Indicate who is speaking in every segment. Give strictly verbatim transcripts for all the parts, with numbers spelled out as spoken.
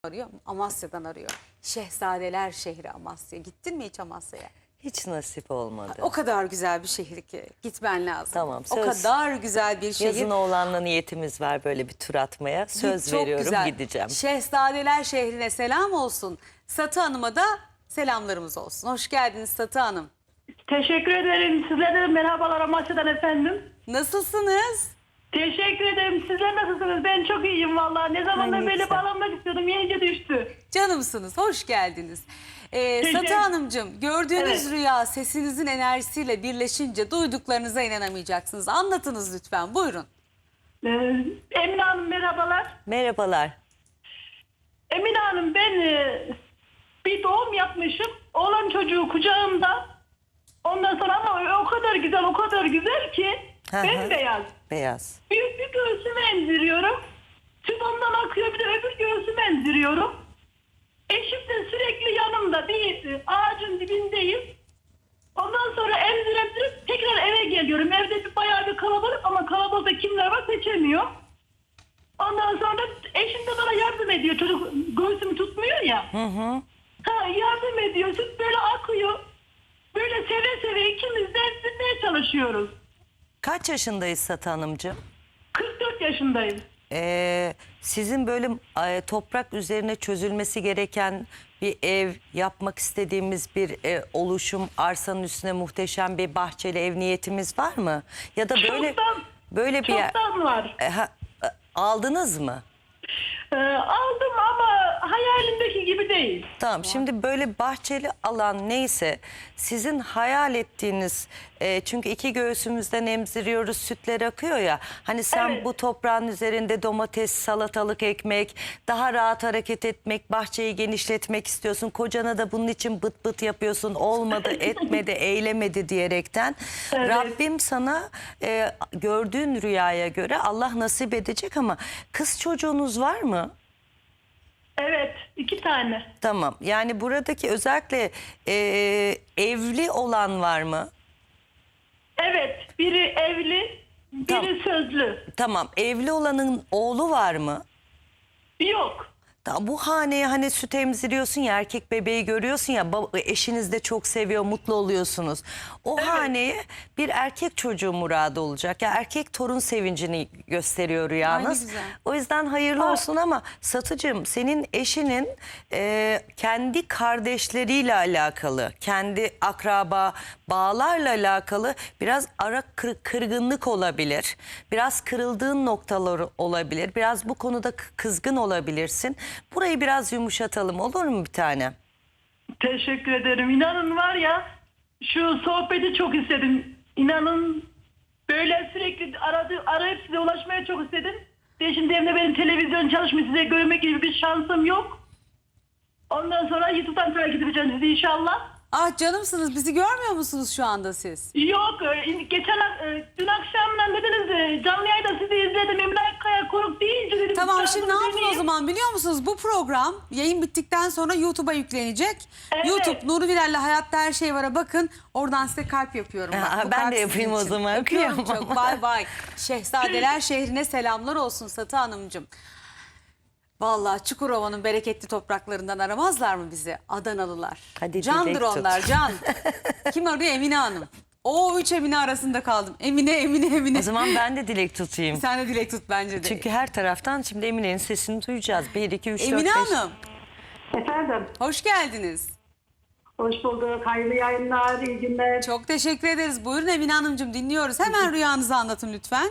Speaker 1: arıyor. Amasya'dan arıyor. Şehzadeler şehri Amasya. Gittin mi hiç Amasya'ya?
Speaker 2: Hiç nasip olmadı.
Speaker 1: O kadar güzel bir şehir ki gitmen lazım.
Speaker 2: Tamam,
Speaker 1: O
Speaker 2: söz.
Speaker 1: kadar güzel bir şehir.
Speaker 2: Yazın oğlanla niyetimiz var böyle bir tur atmaya. Söz
Speaker 1: Git, çok
Speaker 2: veriyorum,
Speaker 1: güzel.
Speaker 2: gideceğim.
Speaker 1: Şehzadeler şehrine selam olsun. Satı Hanım'a da selamlarımız olsun. Hoş geldiniz Satı Hanım.
Speaker 3: Teşekkür ederim. Sizlere de merhabalar Amasya'dan efendim.
Speaker 1: Nasılsınız?
Speaker 3: Teşekkür ederim. Sizler nasılsınız? Ben çok iyiyim vallahi. Ne zamandır
Speaker 2: Ay, ne
Speaker 3: böyle
Speaker 2: güzel.
Speaker 3: bağlanmak istiyordum. Yenice düştü.
Speaker 1: Canımsınız, hoş geldiniz. Ee,
Speaker 3: Teşekkür-
Speaker 1: Satı Hanımcığım, gördüğünüz
Speaker 3: Evet.
Speaker 1: rüya sesinizin enerjisiyle birleşince duyduklarınıza inanamayacaksınız. Anlatınız lütfen, buyurun.
Speaker 3: Ee, Emine Hanım merhabalar.
Speaker 2: Merhabalar.
Speaker 3: Emine Hanım ben e, bir doğum yapmışım. Oğlan çocuğu kucağımda. Ondan sonra ama o kadar güzel o kadar güzel ki
Speaker 2: Hı hı.
Speaker 3: bembeyaz.
Speaker 2: Beyaz.
Speaker 3: Büyük bir göğsümü emziriyorum. Süt ondan akıyor, bir de öbür göğsümü emziriyorum. Eşim de sürekli yanımda değil, ağacın dibindeyiz. Ondan sonra emzir emzirip tekrar eve geliyorum. Evde bir, bayağı bir kalabalık ama kalabalıkta kimler var seçemiyor. Ondan sonra eşim de bana yardım ediyor. Çocuk göğsümü tutmuyor ya.
Speaker 2: Hı hı.
Speaker 3: Ha, yardım ediyor. Süt böyle akıyor. Böyle seve seve ikimiz de emzirmeye çalışıyoruz.
Speaker 2: Kaç yaşındayız Satı Hanımcığım?
Speaker 3: kırk dört yaşındayım.
Speaker 2: Ee, sizin böyle e, toprak üzerine çözülmesi gereken bir ev, yapmak istediğimiz bir e, oluşum, arsanın üstüne muhteşem bir bahçeli ev niyetimiz var mı? Ya da böyle
Speaker 3: Çoktan,
Speaker 2: böyle bir yer
Speaker 3: çoktan var.
Speaker 2: E, ha, e, aldınız mı?
Speaker 3: Ee, aldım ama hayalimdeki gibi değil.
Speaker 2: Tamam, şimdi böyle bahçeli alan neyse sizin hayal ettiğiniz, e, çünkü iki göğsümüzden emziriyoruz, sütler akıyor ya, hani sen
Speaker 3: Evet.
Speaker 2: bu toprağın üzerinde domates, salatalık ekmek, daha rahat hareket etmek, bahçeyi genişletmek istiyorsun, kocana da bunun için bıt bıt yapıyorsun, olmadı etmedi eylemedi diyerekten
Speaker 3: Evet.
Speaker 2: Rabbim sana e, gördüğün rüyaya göre Allah nasip edecek, ama kız çocuğunuz var mı?
Speaker 3: Evet, iki tane.
Speaker 2: Tamam. Yani buradaki özellikle e, evli olan var mı?
Speaker 3: Evet, biri evli, biri
Speaker 2: Tamam.
Speaker 3: sözlü.
Speaker 2: Tamam. Evli olanın oğlu var mı?
Speaker 3: Yok.
Speaker 2: Tamam, bu haneye hani süt emziriyorsun ya, erkek bebeği görüyorsun ya, baba, eşiniz de çok seviyor, mutlu oluyorsunuz. O
Speaker 3: Evet.
Speaker 2: haneye bir erkek çocuğu muradı olacak. Ya erkek torun sevincini gösteriyor rüyanız.
Speaker 1: Ay, ne güzel.
Speaker 2: O yüzden hayırlı
Speaker 3: Aa.
Speaker 2: olsun, ama Satıcığım, senin eşinin e, kendi kardeşleriyle alakalı, kendi akraba bağlarla alakalı biraz ara kır- kırgınlık olabilir. Biraz kırıldığın noktalar olabilir. Biraz bu konuda k- kızgın olabilirsin. Burayı biraz yumuşatalım, olur mu bir tane?
Speaker 3: Teşekkür ederim. İnanın var ya, şu sohbeti çok istedim. İnanın böyle sürekli aradı, arayıp size ulaşmaya çok istedim. Ve şimdi evde benim televizyon çalışmıyor, size görmek gibi bir şansım yok. Ondan sonra YouTube'dan takip edeceğim sizi inşallah.
Speaker 1: Ah canımsınız, bizi görmüyor musunuz şu anda siz?
Speaker 3: Yok, e, geçen e, dün akşamdan dediniz e, canlı yayında sizi izledim. Emine Akkaya Koruk deyince dedim.
Speaker 1: Tamam,
Speaker 3: "Canlı
Speaker 1: şimdi ne yapın o
Speaker 3: dinleyeyim."
Speaker 1: zaman biliyor musunuz? Bu program yayın bittikten sonra YouTube'a yüklenecek.
Speaker 3: Evet.
Speaker 1: YouTube Nuri Bilal'le Hayatta Her Şey Var'a bakın. Oradan size kalp yapıyorum. Bak,
Speaker 2: Ha,
Speaker 1: bu
Speaker 2: ben
Speaker 1: kalp
Speaker 2: de
Speaker 1: sizin
Speaker 2: yapayım o
Speaker 1: için.
Speaker 2: zaman.
Speaker 1: Öpüyorum
Speaker 2: Kıyamam.
Speaker 1: çok. Bay bay. Şehzadeler şehrine selamlar olsun Satı Hanımcığım. Vallahi Çukurova'nın bereketli topraklarından aramazlar mı bizi Adanalılar?
Speaker 2: Hadi
Speaker 1: Candır
Speaker 2: dilek tut.
Speaker 1: onlar, can. Kim arıyor? Emine Hanım. O üç Emine arasında kaldım. Emine, Emine, Emine.
Speaker 2: O zaman ben de dilek tutayım.
Speaker 1: Sen de dilek tut bence de.
Speaker 2: Çünkü her taraftan şimdi Emine'nin sesini duyacağız. bir, iki, üç, dört,
Speaker 1: Emine
Speaker 2: beş.
Speaker 1: Hanım,
Speaker 3: Efendim,
Speaker 1: hoş geldiniz.
Speaker 3: hoş bulduk. Hayırlı yayınlar, iyi günler.
Speaker 1: Çok teşekkür ederiz. Buyurun Emine Hanımcığım, dinliyoruz. Hemen rüyanızı anlatın lütfen.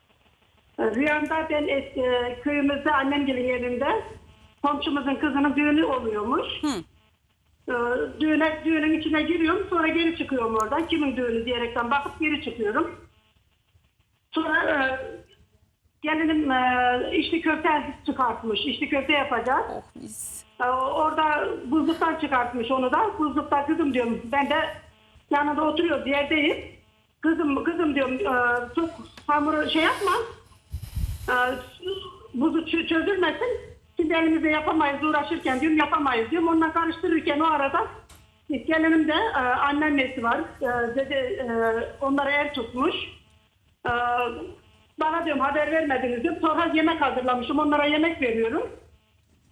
Speaker 3: Rüyamda ben eski, köyümüzde annemgilin yerinde komşumuzun kızının düğünü oluyormuş.
Speaker 1: Hı.
Speaker 3: Ee, Düğüne, düğünün içine giriyorum, sonra geri çıkıyorum oradan. Kimin düğünü diyerekten bakıp geri çıkıyorum. Sonra e, gelinim e, içli köfte çıkartmış. İçli köfte yapacağız.
Speaker 1: Oh mis.
Speaker 3: Ee, Orada buzluktan çıkartmış onu da. Buzlukta kızım diyorum. Ben de yanında oturuyoruz, yerdeyim. Kızım, kızım diyorum, e, çok hamuru şey yapma. E, buzu ç- çözülmesin. Şimdi elimizde yapamayız, uğraşırken diyorum yapamayız diyorum. Onunla karıştırırken o arada gelinim de e, anneannesi var. E, dede, e, onlara el tutmuş. E, bana diyorum haber vermediniz diyorum. Sonra yemek hazırlamışım. Onlara yemek veriyorum.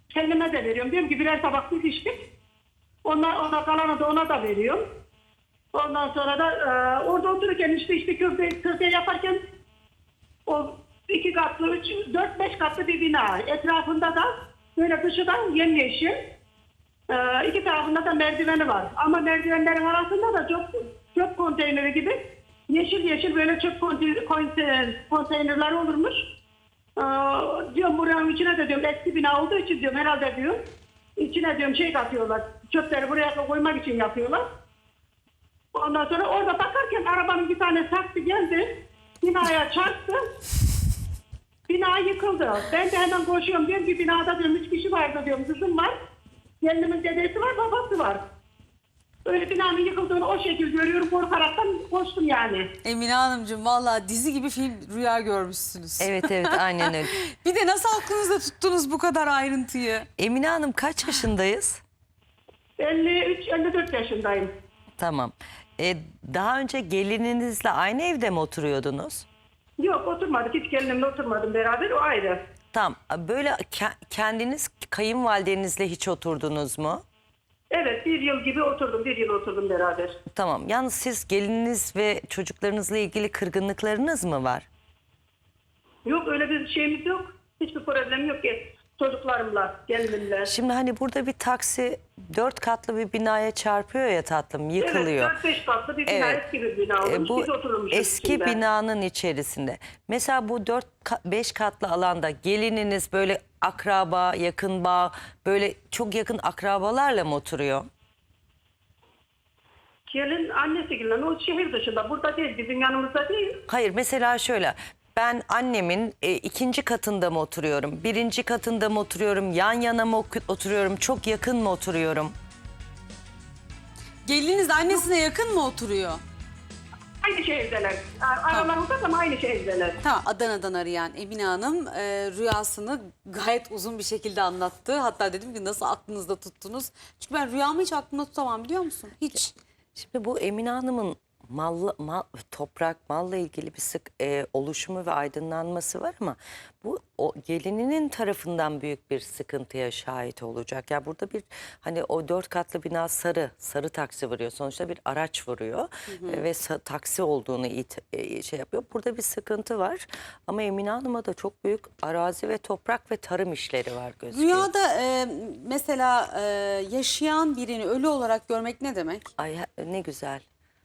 Speaker 3: Kendime de veriyorum. Diyorum ki birer tabak biz içtik. Ona, ona kalanı da ona da veriyorum. Ondan sonra da e, orada otururken işte işte köfte, köfte yaparken o iki katlı, üç, dört beş katlı bir bina. Etrafında da böyle dışıdan yemyeşil. E, iki tarafında da merdiveni var. Ama merdivenlerin arasında da çöp, çöp konteyneri gibi yeşil yeşil böyle çöp konteyner, konteyner, konteynerler olurmuş. E, diyorum buranın içine de diyorum eski bina olduğu için diyorum herhalde diyorum. İçine diyorum şey katıyorlar. Çöpleri buraya koymak için yapıyorlar. Ondan sonra orada bakarken arabanın bir tane taksi geldi. Binaya çarptı. Bina yıkıldı. Ben de hemen koşuyorum. Diyorum bir binada diyorum üç kişi vardı diyorum. Kızım var. Gelinimin dedesi var, babası var. Öyle binanın yıkıldığını o şekilde görüyorum. Korkaraktan koştum yani.
Speaker 1: Emine Hanımcığım vallahi dizi gibi film rüya görmüşsünüz.
Speaker 2: Evet evet aynen öyle.
Speaker 1: Bir de nasıl aklınızda tuttunuz bu kadar ayrıntıyı?
Speaker 2: Emine Hanım kaç yaşındayız?
Speaker 3: elli üç elli dört yaşındayım.
Speaker 2: Tamam. Ee, daha önce gelininizle aynı evde mi oturuyordunuz?
Speaker 3: Yok oturmadık. Hiç gelinimle oturmadım beraber. O ayrı.
Speaker 2: Tamam. Böyle ke- kendiniz kayınvalidenizle hiç oturdunuz mu?
Speaker 3: Evet bir yıl gibi oturdum. Bir yıl oturdum beraber.
Speaker 2: Tamam. Yalnız siz gelininiz ve çocuklarınızla ilgili kırgınlıklarınız mı var?
Speaker 3: Yok öyle bir şeyimiz yok. Hiçbir problem yok ki. Çocuklarımla, gelinimle.
Speaker 2: Şimdi hani burada bir taksi dört katlı bir binaya çarpıyor ya tatlım, yıkılıyor.
Speaker 3: Evet dört beş katlı bir bina,
Speaker 2: Evet.
Speaker 3: eski bir bina olmuş.
Speaker 2: E, bu
Speaker 3: Biz oturmuşuz
Speaker 2: eski
Speaker 3: içinde.
Speaker 2: binanın içerisinde. Mesela bu dört beş katlı alanda gelininiz böyle akraba, yakın bağ, böyle çok yakın akrabalarla mı oturuyor?
Speaker 3: Gelin annesi gelin o şehir dışında. Burada değil, bizim yanımızda değil.
Speaker 2: Hayır, mesela şöyle. Ben annemin e, ikinci katında mı oturuyorum? Birinci katında mı oturuyorum? Yan yana mı oku- oturuyorum? Çok yakın mı oturuyorum?
Speaker 1: Geliniz annesine yakın mı oturuyor?
Speaker 3: Aynı şehirdeler. Aralarında ama aynı şehirdeler.
Speaker 1: Tamam, Adana'dan arayan Emine Hanım e, rüyasını gayet uzun bir şekilde anlattı. Hatta dedim ki nasıl aklınızda tuttunuz? Çünkü ben rüyamı hiç aklımda tutamam biliyor musun? Hiç.
Speaker 2: Şimdi bu Emine Hanım'ın mal, mal, toprak, malla ilgili bir sık e, oluşumu ve aydınlanması var ama bu o gelininin tarafından büyük bir sıkıntıya şahit olacak. Ya burada bir hani o dört katlı bina sarı, sarı taksi vuruyor. Sonuçta bir araç vuruyor e, ve sa- taksi olduğunu it, e, şey yapıyor. Burada bir sıkıntı var ama Emine Hanım'a da çok büyük arazi ve toprak ve tarım işleri var gözüküyor.
Speaker 1: Rüyada e, mesela e, yaşayan birini ölü olarak görmek ne demek?
Speaker 2: Ay ha- ne güzel.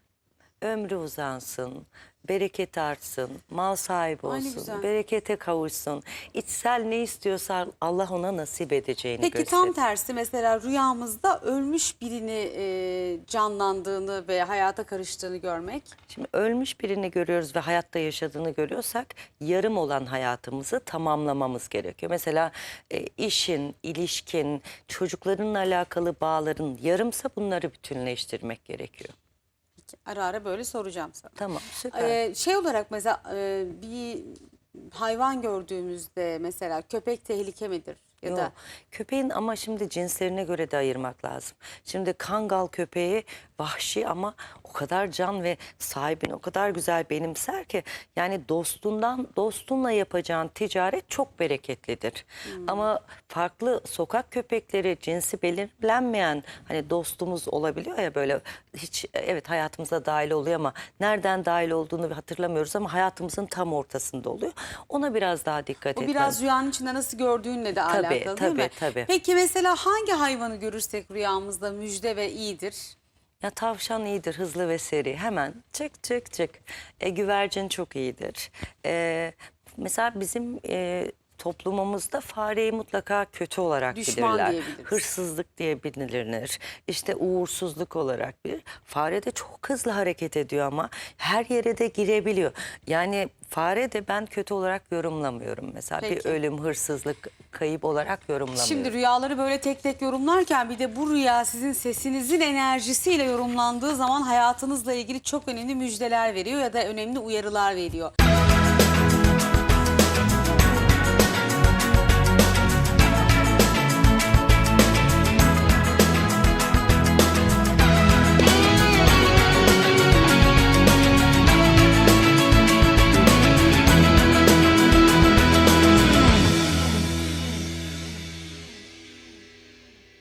Speaker 2: Ömrü uzansın, bereket artsın, mal sahibi
Speaker 1: Ay ne
Speaker 2: olsun,
Speaker 1: güzel.
Speaker 2: berekete kavuşsun. İçsel ne istiyorsa Allah ona nasip edeceğini
Speaker 1: Peki
Speaker 2: gösteriyor.
Speaker 1: tam tersi mesela rüyamızda ölmüş birini e, canlandığını ve hayata karıştığını görmek.
Speaker 2: Şimdi ölmüş birini görüyoruz ve hayatta yaşadığını görüyorsak yarım olan hayatımızı tamamlamamız gerekiyor. Mesela e, işin, ilişkin, çocuklarınla alakalı bağların yarımsa bunları bütünleştirmek gerekiyor.
Speaker 1: Ara ara böyle soracağım sana.
Speaker 2: Tamam, süper.
Speaker 1: Ee, şey olarak mesela e, bir hayvan gördüğümüzde mesela köpek tehlike midir? Ya
Speaker 2: Yok.
Speaker 1: da
Speaker 2: Köpeğin ama şimdi cinslerine göre de ayırmak lazım. Şimdi Kangal köpeği vahşi ama o kadar can ve sahibini o kadar güzel benimser ki yani dostundan dostunla yapacağın ticaret çok bereketlidir. Ama farklı sokak köpekleri cinsi belirlenmeyen hani dostumuz olabiliyor ya böyle hiç evet hayatımıza dahil oluyor ama nereden dahil olduğunu hatırlamıyoruz ama hayatımızın tam ortasında oluyor. Ona biraz daha dikkat
Speaker 1: o
Speaker 2: etmemiz.
Speaker 1: biraz rüyanın içinde nasıl gördüğünle de alakalı değil
Speaker 2: tabii,
Speaker 1: mi?
Speaker 2: tabii.
Speaker 1: Peki mesela hangi hayvanı görürsek rüyamızda müjde ve iyidir?
Speaker 2: Ya tavşan iyidir, hızlı ve seri. Hemen çık çık çık. E, güvercin çok iyidir. E, mesela bizim e, toplumumuzda fareyi mutlaka kötü olarak
Speaker 1: Düşman
Speaker 2: bilirler.
Speaker 1: diyebiliriz.
Speaker 2: Hırsızlık diye bilinir. İşte uğursuzluk olarak bilir. Fare de çok hızlı hareket ediyor ama her yere de girebiliyor. Yani fare de ben kötü olarak yorumlamıyorum. Mesela
Speaker 1: Peki.
Speaker 2: bir ölüm, hırsızlık, kayıp olarak yorumlamıyorum.
Speaker 1: Şimdi rüyaları böyle tek tek yorumlarken bir de bu rüya sizin sesinizin enerjisiyle yorumlandığı zaman hayatınızla ilgili çok önemli müjdeler veriyor ya da önemli uyarılar veriyor.